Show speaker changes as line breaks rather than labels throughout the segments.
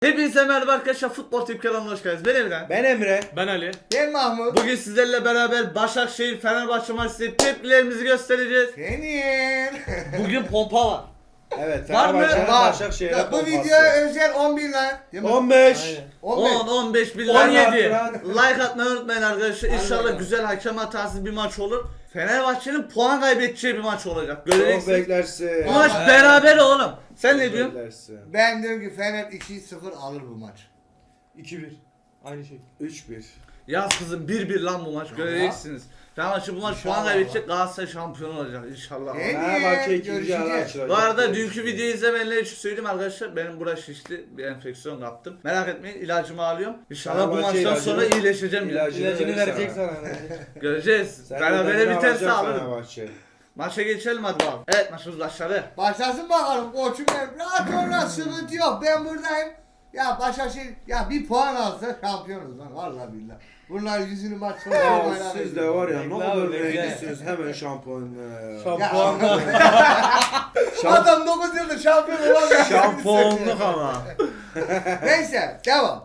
Hepinize merhaba arkadaşlar, Futbol Tip kanalına hoş geldiniz. Ben Emre.
Ben Emre.
Ben Ali.
Ben Mahmut.
Bugün sizlerle beraber Başakşehir Fenerbahçe maçı tepkilerimizi göstereceğiz.
Senin.
Bugün pompa var.
Evet.
Var mı?
Fenerbahçe'nin
Var.
Başakşehir'e
Ya, bu
pompası.
videoya özel 10.000 like. Değil mi?
15.
Aynen.
10, 15 bin
17.
like atmayı unutmayın arkadaşlar. İnşallah
Aynen.
güzel hakem hatasız bir maç olur. Fenerbahçe'nin puan kaybedeceği bir maç olacak.
Çok
Göreceksiniz.
beklersin.
Bu maç beraber oğlum. Sen ne diyorsun?
Beklersin.
Ben diyorum ki Fener 2-0 alır bu maç.
2-1. Aynı şey.
3-1.
Yaz kızım 1-1 lan bu maç. Göreceksiniz. Fenerbahçe bu maç puan
İnşallah.
kaybedecek. Galatasaray şampiyon olacak inşallah.
Fenerbahçe ikinci
görüşeceğiz.
yarı açılacak.
Bu arada dünkü videoyu izlemeyenler için söyleyeyim arkadaşlar, benim burası şişti, bir enfeksiyon kaptım. Merak etmeyin, ilacımı alıyorum. İnşallah bu
Fenerbahçe
maçtan sonra
ilacını-
iyileşeceğim.
İlacını
verecek
sana.
Göreceğiz.
Sen
Berabere
ödemeni
biterse
alacaksın
alırım.
Fenerbahçe.
Maça geçelim hadi bakalım. Evet, maçımız başladı.
Başlasın bakalım koçum benim. Rahat ol, sıkıntı yok. Ben buradayım. Ya Başakşehir ya bir puan alsa şampiyonuz lan vallahi billahi. Bunlar yüzünü maç sonu
Ya
oynanıyor.
siz de var ya ne
Bekle
kadar
abi, bekle.
rengisiniz hemen şampiyon.
Şampuanla.
Adam 9 yıldır şampiyon olamıyor.
Şampiyonluk ama.
Neyse devam.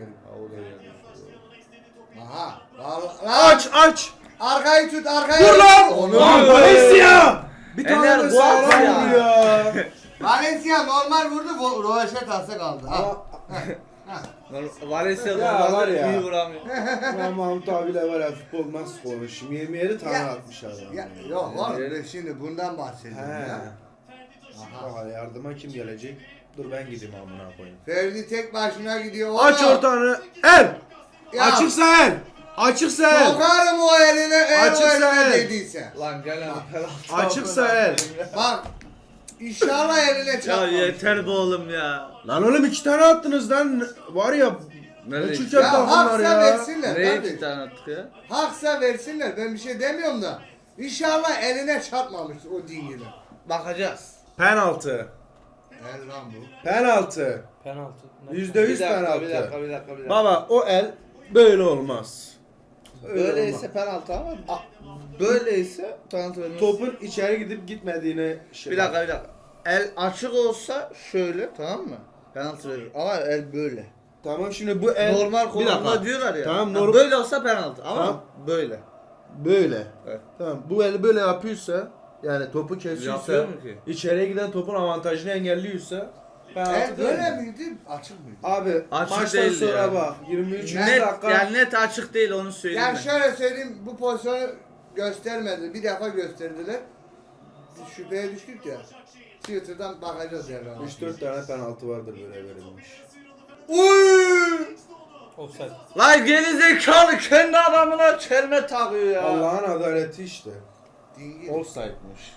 Aha.
Aç.
Arkayı tut arkayı.
Dur lan.
Onu.
Lan Valencia. Bir tane
Ener
de
Guat
sağlam
ya.
vuruyor.
Valencia normal vurdu. Rovaşet kaldı. Ha.
Valencia
Ya
normalde
var ya.
iyi vuramıyor.
Ben Mahmut abiyle var ya futbol nasıl konuşayım. 27 tane
Ya.
atmış adam.
Ya, yok oğlum ben şimdi bundan bahsediyorum
He.
ya.
Aha, yardıma kim gelecek? Dur ben gideyim amına koyayım.
Ferdi tek başına gidiyor.
Aç
oğlum.
ortanı. El.
Ya,
Açıksa el. Açıksa el.
sokarım o eline eğer o
Açıksa
eline
el.
dediyse.
Lan gel lan penaltı.
Açıksa el.
Bak. İnşallah eline
Ya
çarpmaz.
yeter be oğlum ya.
Lan oğlum 2 tane attınız lan. Var ya.
Nereye
Uçuk
gitti?
Ya
yaptı bunlar
haksa
ya.
versinler.
Nereye
Hadi.
2 tane attık ya?
Haksa versinler. Ben bir şey demiyorum da. İnşallah eline çarpmamıştır o dingili.
Bakacağız.
Penaltı.
El lan bu.
Penaltı.
Penaltı.
%100 penaltı.
Bir dakika.
Baba o el böyle olmaz. Öyle olmaz.
Böyleyse penaltı ama böyleyse penaltı vermez.
Topun içeri gidip gitmediğine şey.
Bir dakika. El açık olsa şöyle, tamam mı? Penaltı verir. Ama el böyle.
Tamam şimdi bu el
Normal
Bir dakika.
konumda diyorlar ya.
Tamam,
Ha,
normal-
böyle olsa penaltı ama
Tamam.
böyle.
böyle.
Evet.
Tamam bu el böyle yapıyorsa yani topu kesiyorsa
Yapıyor mu ki?
içeriye giden topun avantajını engelliyorsa penaltı
El
değil
böyle
mi?
miydi? Açık mıydı?
Abi
Açık
maçtan
değildi
sonra
yani.
bak 23
Net,
dakika
yani net açık değil, onu söyleyeyim
Yani
ben.
şöyle söyleyeyim, bu pozisyonu göstermedi. Bir defa gösterdiler. Biz şüpheye düştük ya. Twitter'dan bakacağız herhalde.
3-4 tane penaltı vardır böyle verilmiş.
Uy!
Offside.
Lan geri zekalı kendi adamına çelme takıyor ya.
Allah'ın adaleti işte.
Dingil.
Offside'mış.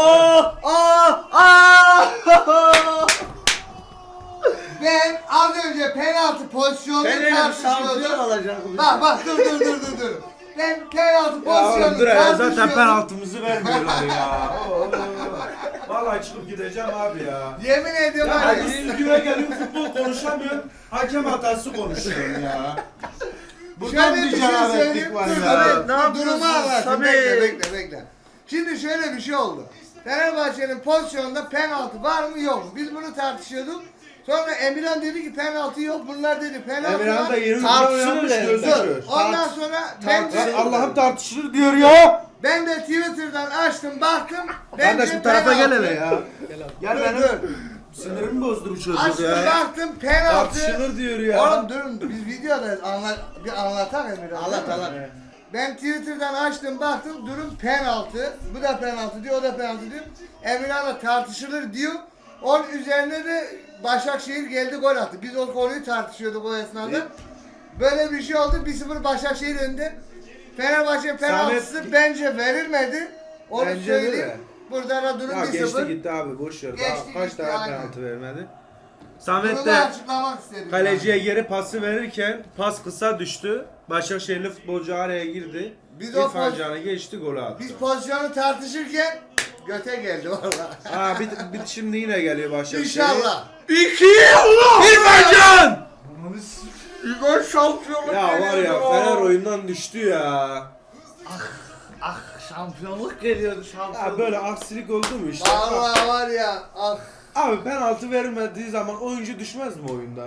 Ben az önce penaltı pozisyonunu
Fener'e bir şampiyon
tartışıyordum.
alacak.
Bak dur. Ben penaltı
Ya oğlum
pozisyonunu
dur ya zaten
tartışıyordum.
penaltımızı vermiyorlar ya. Vallahi çıkıp gideceğim abi ya.
Yemin ediyorum
Ya
var ya.
hadi videoya geliyorum futbol konuşamıyorum. Hakem hatası konuşuyorum ya. Buradan
Şöyle
bir
bir şey
cenabetlik
söyleyeyim.
var
Dur,
ya.
Evet, ne yapıyorsun
Durumu anlatayım.
Samet?
Bekle. Şimdi şöyle bir şey oldu. Fenerbahçe'nin pozisyonunda penaltı var mı yok mu? Biz bunu tartışıyorduk. Sonra Emirhan dedi ki penaltı yok. Bunlar dedi penaltı
Emirhan
var.
da 20
Tartışılır
milyon yapmış
yani.
gözü
Dur.
kör.
Ondan sonra ben de,
Lan Allah'ım tartışılır diyor ya.
ben de Twitter'dan açtım baktım.
Kardeş
bence
bu tarafa gel
penaltı.
hele ya. Gel
Dur,
benim
dur.
sinirimi bozdu bu çocuk
Açtım
ya.
baktım penaltı.
Tartışılır diyor ya.
Oğlum durun biz videodayız bir anlatak Emirhan.
Anlat.
Ben Twitter'dan açtım baktım durum penaltı. Bu da penaltı diyor, o da penaltı diyor. Emirhan'la tartışılır diyor. Onun üzerine de Başakşehir geldi gol attı. Biz o konuyu tartışıyorduk o esnada. Böyle bir şey oldu. 1-0 Başakşehir önünde. Fenerbahçe penaltısı
Samet-
bence verilmedi. Onu
Bence
söyleyeyim.
de.
Burada da durum
Ya
1-0.
geçti gitti abi boş ver.
Geçti
Daha kaç
gitti,
tane
aynen.
penaltı vermedi.
Bunu
Samet
da
de
açıklamak istedim.
kaleciye geri pası verirken pas kısa düştü. Başakşehirli futbolcu araya girdi.
Biz o
İrfan
poz-
Can'ı geçti golü attı.
Biz pozisyonu tartışırken göte geldi valla.
Ha bir şimdi yine geliyor Başakşehir.
İnşallah.
2 Allah!
İrfan Can!
İlk şampiyonluk
Ya var
geliyordu.
ya Fener oyundan düştü ya.
Şampiyonluk geliyordu
Ya
şampiyonluk.
böyle aksilik oldu mu işte?
Vallahi var ya. Ah.
Abi penaltı vermediği zaman oyuncu düşmez mi oyundan?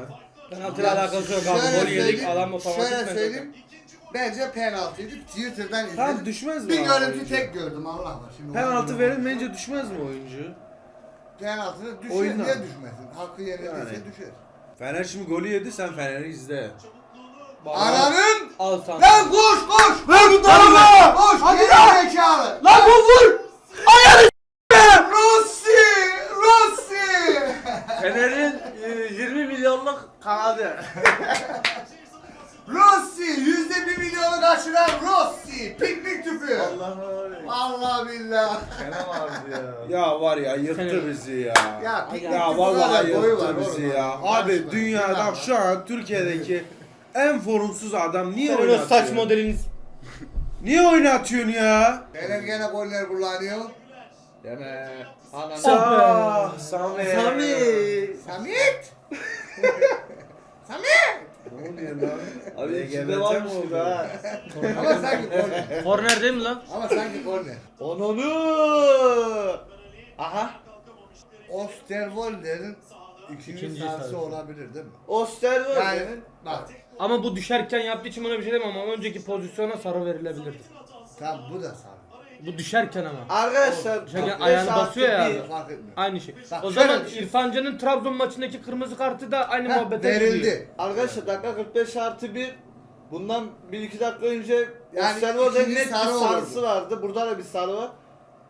Penaltıyla alakası yok abi.
Şöyle
Gol yedik
söyleyeyim,
adam otomatik
şöyle
penaltı.
söyleyeyim. Bence penaltıydı. Twitter'dan izledim.
Tamam düşmez mi?
Bir
abi
görüntü
oyuncu?
tek gördüm Allah var. Şimdi
Penaltı verilmeyince düşmez mi oyuncu?
penaltı düşer
Oyundan.
diye düşmesin. Hakkı yenildiyse
Yani.
düşer.
Fener şimdi golü yedi, sen Fener'i izle.
Ananın!
Al sana.
Lan koş koş!
Ver bu tarafa!
Koş! Geri zekalı!
Lan bu vur!
Rossi! Rossi!
Fener'in 20 milyonluk kanadı.
Rossi! %1 milyonu kaçıran Rossi! Piknik tüpü!
Allah'ım.
Allah billah!
Kenan abi ya.
Ya var ya yırttı
Fener.
bizi ya.
Ya piknik
Ya
tüpü
vallahi
kadar boyu var
yırttı bizi
oğlum.
ya.
Karışma.
Abi dünyada
Günah.
şu an Türkiye'deki en formsuz adam niye
Senin o
oynatıyorsun?
saç modeliniz.
Niye oynatıyorsun ya?
Fener gene goller kullanıyor.
Deme. Ananı.
Ah, Sami.
Sami.
Samit! Samit!
Ne oluyor lan?
Abi
LGBT
içinde
mi
varmış
oldu?
gibi ha.
Ama sanki korner.
Korner değil mi lan?
Ama sanki korner.
Onunu. Aha.
Osterwolder'in ikinci
İkinci
sahası
sahası.
olabilir değil mi?
Osterwolder'in.
Yani bak
Ama bu düşerken yaptığı için buna bir şey demem ama önceki pozisyona sarı verilebilirdi.
tam bu da sarı.
Bu düşerken ama.
Arkadaşlar.
Düşerken
45
ayağını
artı
basıyor ya
bir.
abi.
Fark etmiyor.
Aynı şey.
Bak,
O
şöyle
zaman
düşün.
İrfan Can'ın Trabzon maçındaki kırmızı kartı da aynı
Heh,
muhabbete giriyor.
verildi.
Arkadaşlar dakika 45 artı 1. Bundan 1-2 dakika önce
Yani
Osterwolder'in
ikinci
net bir
sarı
sarısı
olurdu.
vardı. Burada da bir sarı var.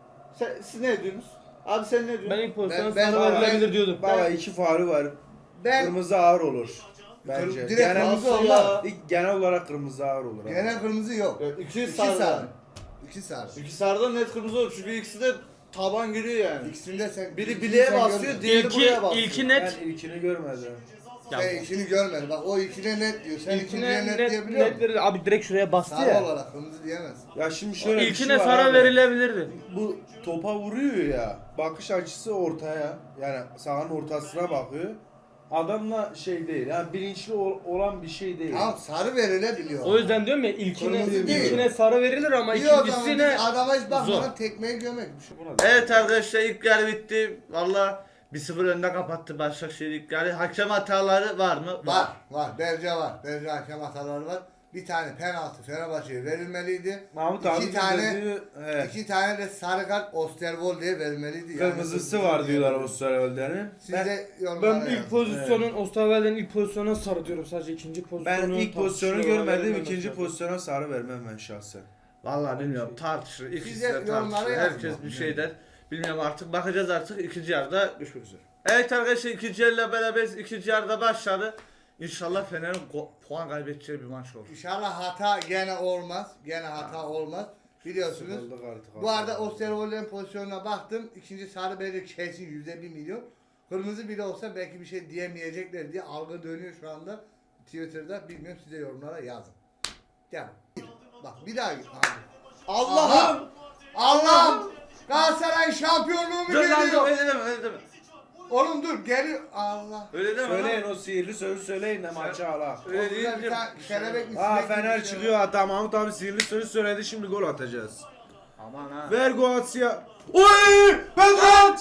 Siz ne diyorsunuz? Abi sen ne diyorsun?
Ben ilk pozisyona
Ben-
sarı
ben-
verilebilir diyordum.
Baba iki faulü var.
Ben
Kırmızı ağır olur. Bence.
direkt
Genel,
kırmızı
Nasıl
olmaz.
ya?
genel olarak kırmızı ağır olur. abi.
Gene kırmızı yok.
Evet, İki
İki
sarı.
sarı. İki sarı.
İki sarıdan net kırmızı olur çünkü ikisi de taban giriyor yani.
İkisinde sen
Biri
ikisini
bileğe
sen
basıyor,
görmedin.
diğeri buraya basıyor.
İlki net.
Ben ilkini görmedim.
Sen ikini görmedin. Bak o ikine net diyor. Sen ikinciye
İlkine
net,
net,
diyebiliyor
net
musun?
verir. Abi direkt şuraya bastı
Sarı
ya.
olarak kırmızı diyemezsin.
Ya şimdi şöyle bir
İlkine
şey var
sarı
abi.
verilebilirdi.
Bu topa vuruyor ya. Bakış açısı ortaya. Yani sahanın ortasına bakıyor. Adamla şey değil. Yani bilinçli olan bir şey değil.
Tamam sarı verilebiliyor.
O yüzden diyorum ya ilkine
Kırmızı değil.
sarı verilir ama
İyi o zaman
ikincisine
biz adama hiç bakmadan
zor.
tekmeyi gömekmiş.
Evet arkadaşlar ilk yarı bitti. Valla 1-0 önde kapattı Başakşehir ilk yarı. Hakem hataları var mı?
Var. Berce var. Berce hakem hataları var. Bir tane penaltı Fenerbahçe'ye verilmeliydi.
Mahmut abi
İki tane
dedi, evet.
iki tane de sarı kart Osterwolde'ye verilmeliydi. Yani
Kırmızısı var diyorlar o Sarıölder'in.
Siz de
Ben
yorumlara
ilk
yazın.
pozisyonun Osterwelder'in ilk pozisyonuna sarı diyorum sadece ikinci pozisyonu.
Ben ilk pozisyonu
tartışılıyor,
görmedim,
verilmemesi
ikinci
lazım.
pozisyona sarı vermem ben şahsen.
Valla bilmiyorum tartışır. İkisi
Siz de
de
yorumlara
tartışır.
yazın.
Herkes bir şey der. Bilmiyorum artık bakacağız artık ikinci yarıda görüşmek üzere. Evet arkadaşlar ikinci yarıyla beraberiz. İkinci yarıda başladı. İnşallah Fener'in puan kaybedeceği bir maç olur.
İnşallah hata gene olmaz. Gene hata olmaz. Biliyorsunuz.
Sıkıldık artık.
Bu arada Osterwolde'nin pozisyonuna baktım. İkinci sarı belli kesin %1 milyon. Kırmızı bile olsa belki bir şey diyemeyecekler diye algı dönüyor şu anda Twitter'da. Bilmiyorum size yorumlara yazın. Devam. Bak bir daha git.
Allah'ım!
Allah'ım! Galatasaray şampiyonluğu mu
Dur lan dur
geliyor?
öyle deme öyle deme.
Oğlum dur geliyor. Allah.
Öyle deme
Söyleyin
lan.
o sihirli sözü söyleyin de maçı ala.
Öyle değil
Orada bir tane kelebek mi?
Aa
sinek mi
Fener
bir şey
çıkıyor hatta Mahmut abi sihirli sözü söyledi şimdi gol atacağız.
Aman ha.
Ver Goatsya. Oy! Penaltı!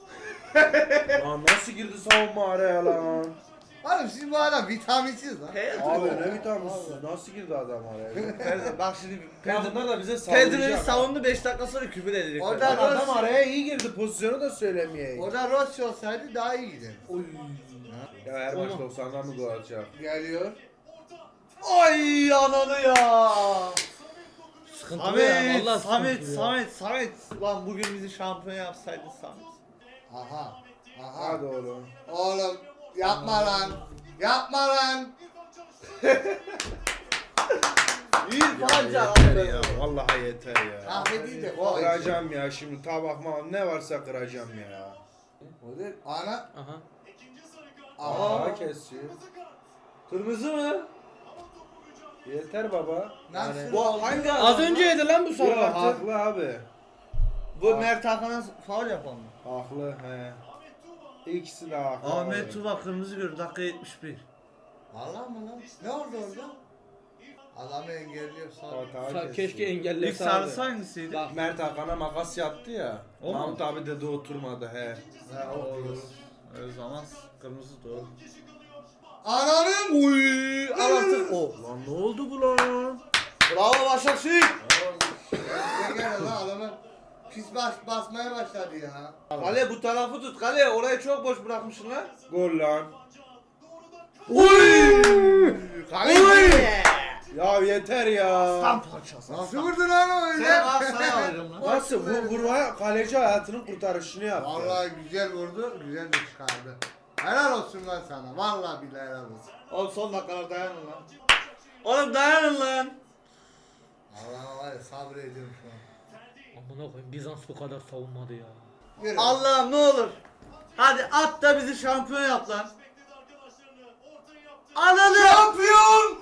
Lan nasıl girdi savunma araya lan?
Oğlum siz bu adam vitaminsiz lan.
Abi ne vitaminsiz? Nasıl girdi adam araya?
Ferdi bak şimdi
Ya bunlar da bize
Pedro'yu
sallayacak.
savundu 5 dakika sonra küfür edecek.
Orada-
Lan adam araya iyi girdi pozisyonu da söylemeyeyim.
Orada Rossi olsaydı daha iyi gider.
Ya her maç 90'dan mı gol atacak?
Geliyor.
Ay ananı ya.
Sıkıntılı ya,
Samet,
vallahi
Samet,
sıkıntılı ya.
Samet, Samet. Lan bugün bizi şampiyon yapsaydı Samet.
Aha. Aha.
Hadi oğlum.
Oğlum yapma lan. Yapma lan.
İrfanca.
Ya vallahi yeter ya.
Kahve de o.
Kıracağım ya şimdi tabak mağam ne varsa kıracağım ya.
Ana.
Aha.
Aha.
Aa kesiyor.
Kırmızı mı?
Yeter baba.
Nasıl?
Bu hangi adam?
Az önce yedi lan bu sarı
Yok
kartı.
haklı abi.
Bu Mert Hakan'a faul yapan mı?
Haklı he. İkisi de haklı.
Ahmet
abi.
Tuba kırmızı gördü dakika 71.
Vallahi mı lan? Ne oldu orada? Adamı engelliyor sağ.
Hata kesiyor.
Keşke
İlk
engellese
sarısı
abi.
hangisiydi?
Bak.
Mert Hakan'a makas yaptı ya.
O mu?
Mahmut abi de oturmadı he.
Ha, o olur. O zaman kırmızı doğru.
Ananın.
Uy, al artık. Oh.
Lan ne oldu bu lan?
Bravo Başakşehir.
Ne gel lan adamı. Pis basmaya başladı ya.
Kale bu tarafı tut. Kale orayı çok boş bırakmışsın lan.
Gol lan.
Uy. Kale.
Uy. Ya yeter ya.
Tam parçası.
Nasıl vurdun lan o öyle?
Sen Galatasaray'ı alacağım lan.
Nasıl vurmaya kaleci hayatının kurtarışını yaptı.
Vallahi güzel vurdu, güzel de çıkardı. Helal olsun lan sana. Vallahi billahi helal olsun.
Oğlum son dakikalar dayanın lan. Oğlum dayanın lan.
Allah var ya sabrediyorum şu an.
Amına koyayım Bizans bu kadar savunmadı ya.
Yürü.
Allah'ım ne olur. Hadi at da bizi şampiyon yap lan. Ananı.
Şampiyon!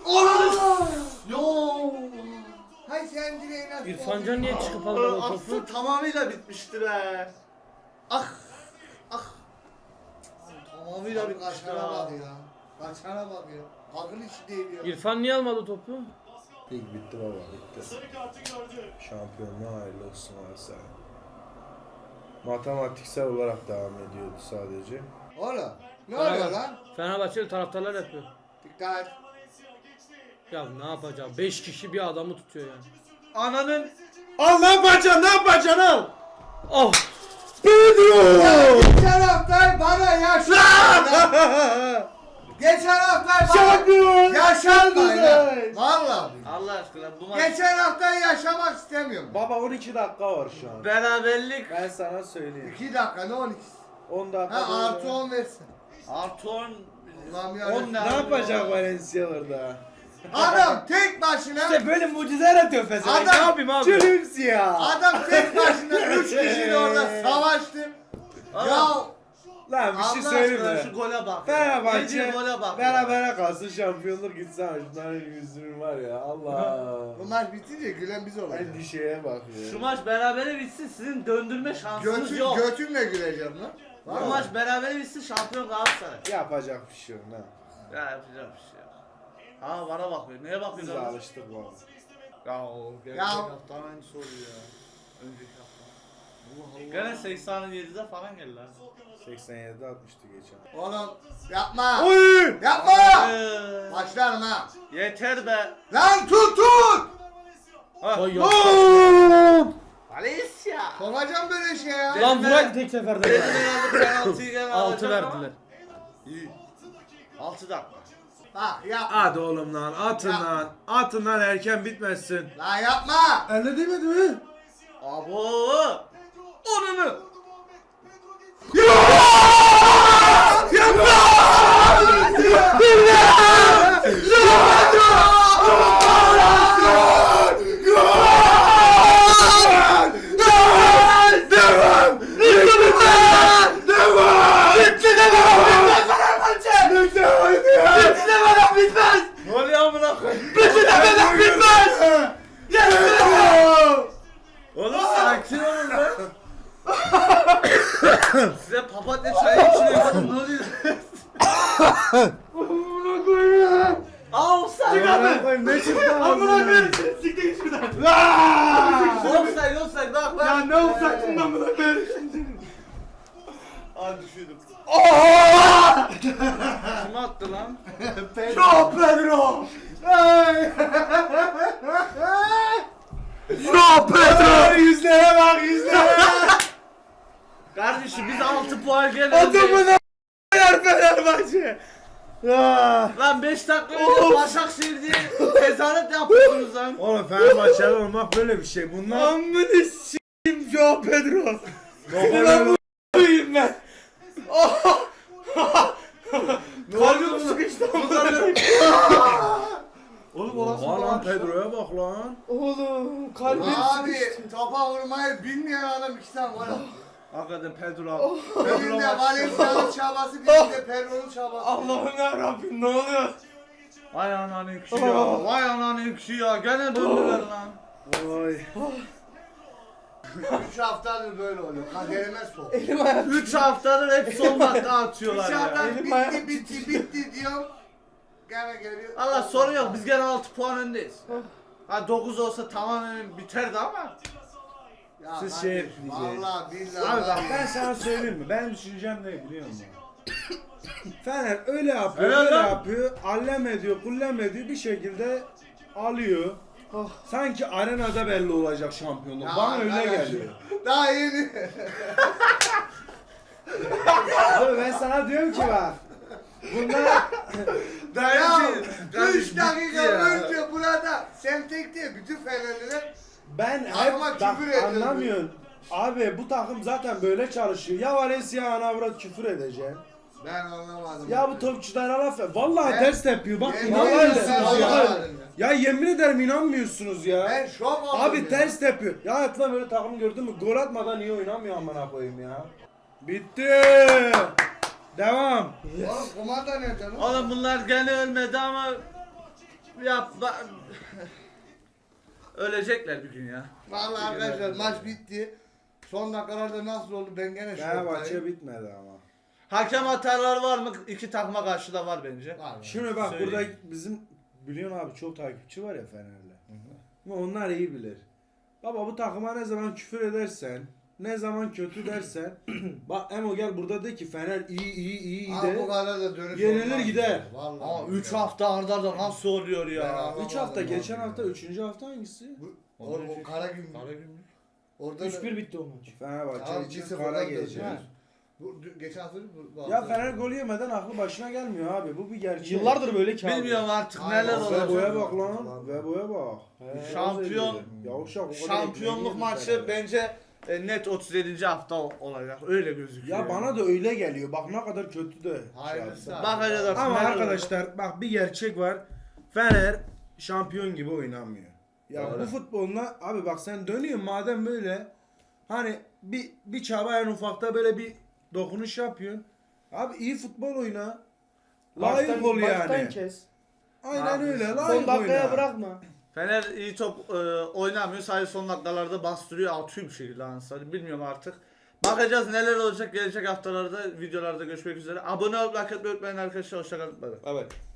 Yo! Hay sen direğin at.
İrfan Can niye çıkıp aldı o topu?
Aslında tamamıyla bitmişti be. Ah. Ah. Tamamıyla bitmişti
Kaçana
ha.
bak ya. Kaçana bak ya. Akıl işi değil ya.
İrfan niye almadı topu?
Lig bitti baba bitti. Şampiyonluğa hayırlı olsun Galatasaray. Matematiksel olarak devam ediyordu sadece.
Oğlum. Ne oluyor lan?
Fenerbahçeli taraftarlar yapıyor.
Dikkat.
Ya ne yapacağım? 5 kişi bir adamı tutuyor yani.
Ananın.
Al ne yapacaksın ne yapacaksın al.
Oh!
Ya geçen hafta bana yaşandı. Geçen hafta bana
Şampiyon!
yaşandı.
Güzel!
Vallahi.
Allah aşkına bu maç.
Geçen hafta yaşamak istemiyorum.
Baba 12 dakika var şu an.
Beraberlik.
Ben sana söyleyeyim.
2 dakika ne 12?
10 dakika.
Ha artı 10 versin.
Artı 10.
Allah'ım ya.
10
Ne yapacak Valencia orada?
Adam tek başına.
İşte böyle mucizeler atıyor Fenerbahçe.
Adam-
Ne yapayım abi?
Çürümsü ya.
Adam tek başına 3 kişiyle orada savaştı. Ya
Lan bir şey
Allah
söyleyeyim
aşkına
mi?
şu gole bak.
Fenerbahçe
Yediği gole bak.
berabere kalsın şampiyonluk gitsin ama şunların yüzünün var ya Allah.
bu maç bitince gülen biz olacağız.
Endişeye bak ya.
Şu maç berabere bitsin sizin döndürme şansınız yok.
Götümle güleceğim lan.
Bu
Vallahi.
maç berabere bitsin şampiyon Galatasaray.
Yapacak bir şey yok ne?
Ya yapacak bir şey yok. Aa bana bakıyor. Neye
Biz
bakıyorsun?
de
lan?
alıştık bu arada.
Ya o gerçek
Ya-
hafta aynısı oluyor ya. Önceki hafta. Gene 87'de falan geldi lan.
87'de atmıştı geçen.
Oğlum yapma.
Oy!
Yapma.
Ee,
Başlarım ha.
Yeter be.
Lan tut tut.
Ha.
Ay ya.
Valencia.
Sokacağım böyle şey ya.
Lan vuraydı tek seferde
Dedim
ya.
herhalde penaltıyı gene
6
alacak ama.
verdiler.
İyi. 6 dakika.
Bak yapma.
Hadi oğlum lan atın
Ya.
lan. Atın lan erken bitmesin.
Lan yapma.
Elle demedi mi?
Abo. Onunu. Ne oluyor amına koyayım? Oğlum sakin olun lan. Size papatya çayı içiyorum. Ne oluyor? Amına koyayım. Offside abi.
Ne çıktı
Amına koyayım seni siktir git şuradan.
Offside bak bak.
Ya ne olacaksın amına koyayım şimdi.
Aa düşürdüm. Kim attı lan?
Yo Pedro.
Yo Pedro! Yüzlere bak yüzlere!
Kardeşim biz 6 puan gene.
Adamına yer Fenerbahçe!
Lan 5 dakika önce Başakşehir diye tezahürat yapıyordunuz lan.
Oğlum Fenerbahçeli olmak böyle bir şey. Bunlar...
Amını s***im Joao Pedro.
Ulan bu
Koyayım ben. Kalbim sıkıştı amına.
Oğlum orası
Oha lan
lan.
Pedro'ya bak lan.
Oğlum kalbim
Abi
sıkıştı.
topa vurmayı bilmeyen adam 2 tane gol attı.
Hakikaten Pedro abi.
Birinde Valencia'nın çabası, birinde Pedro'nun çabası.
Allah'ım ya Rabbim ne oluyor?
Vay ananın kişi ya. Vay ananın kişi ya. Gene döndüler lan.
Oy.
3 haftadır böyle oluyor. Kaderime sok.
3 haftadır hep son dakika atıyorlar
3
ya.
haftadır
Elim ayağım
bitti diyorum. Gene geliyor.
Allah sorun yok. Biz gene 6 puan öndeyiz. Ha 9 olsa tamamen biterdi ama.
Ya
Siz
kardeşim,
şey ekleyeceğiz.
Vallahi billahi.
Abi bak ben sana söyleyeyim mi? Benim düşüncem ne biliyor musun? Fener öyle yapıyor,
Helal
öyle
lan.
yapıyor. Allem ediyor, kullem ediyor. Bir şekilde alıyor. Sanki arenada belli olacak şampiyonluk.
Ya
Bana öyle
arkadaş,
geliyor.
Daha yeni.
Abi ben sana diyorum ki bak. Bunlar
Ya
Kardeşim,
3 dakika
bitti ya.
önce burada sen tek değil bütün Fenerliler
ben hep
Adama
bak,
küfür ediyordu.
anlamıyorsun. Abi bu takım zaten böyle çalışıyor. Ya Valencia ana avrat küfür edeceğim.
ben anlamadım.
Ya bu topçulara laf ver. Vallahi
Ben-
ters tepiyor. Bak
Ben-
inanmıyorsunuz
Ben-
ya.
Ben-
Ya yemin ederim inanmıyorsunuz ya.
Ben şok oldum
Abi
ya.
ters tepiyor. Ya hayatımda böyle takım gördün mü? Gol atmadan niye oynamıyor amına koyayım ya? Bitti. Devam.
Oğlum kumanda nerede lan?
Oğlum bunlar gene ölmedi ama ölecekler bir gün ya.
Vallahi arkadaşlar maç bitti. Son dakikalarda nasıl oldu ben gene
Fenerbahçe
şoktayım.
bitmedi ama.
Hakem hataları var mı? İki takıma karşı da var bence.
Var.
Şimdi bak
Söyleyeyim.
burada bizim biliyorsun abi çok takipçi var ya Fener'le. Ama onlar iyi bilir. Baba bu takıma ne zaman küfür edersen, ne zaman kötü dersen, bak Emo gel burada de ki Fener iyi
Abi bu
de.
kadar da dönüş
Yenilir
olmaz
gider.
ya. Vallahi.
Ama 3 hafta arda arda nasıl oluyor
Ben
ya?
anlamadım
3 hafta
abi
geçen
ya.
hafta 3. hafta hangisi?
O kara gün. Orada da
3-1 bitti o maç.
Fenerbahçe
Tamam,
için
1-0'dan
kara
dönüyor.
gece.
Ha.
Geçen hafta bu
Ya
hafta-
Fener gol yemeden aklı başına gelmiyor abi. Bu bir gerçek.
Yıllardır böyle ki abi.
Bilmiyorum artık
Aynen.
neler
Ve
olacak.
Vebo'ya bak lan. Vebo'ya bak.
Şampiyon-
Yavuşak o kadar
Şampiyonluk
ekmeği
maçı
yedi Fener'e.
bence net 37. hafta olacak. Öyle gözüküyor.
Ya bana da öyle geliyor. Bak ne kadar kötü de.
Hayırlısı abi.
Bakacağız artık.
Ama
neler
arkadaşlar bak bir gerçek var. Fener şampiyon gibi oynamıyor. Ya
Doğru.
bu futboluna abi bak sen dönüyorsun madem böyle hani bir çaba en ufakta böyle bir dokunuş yapıyorsun. Abi iyi futbol oyna. Layık ol
Baştan
yani.
kes.
Aynen öyle.
Son
Layık
Son dakikaya
oyna.
bırakma.
Fener iyi top oynamıyor. Sadece son dakikalarda bastırıyor. Atıyor bir şekilde Ansari. Bilmiyorum artık. Bakacağız neler olacak gelecek haftalarda videolarda görüşmek üzere. Abone olup like etmeyi unutmayın arkadaşlar. Hoşçakalın.
Evet.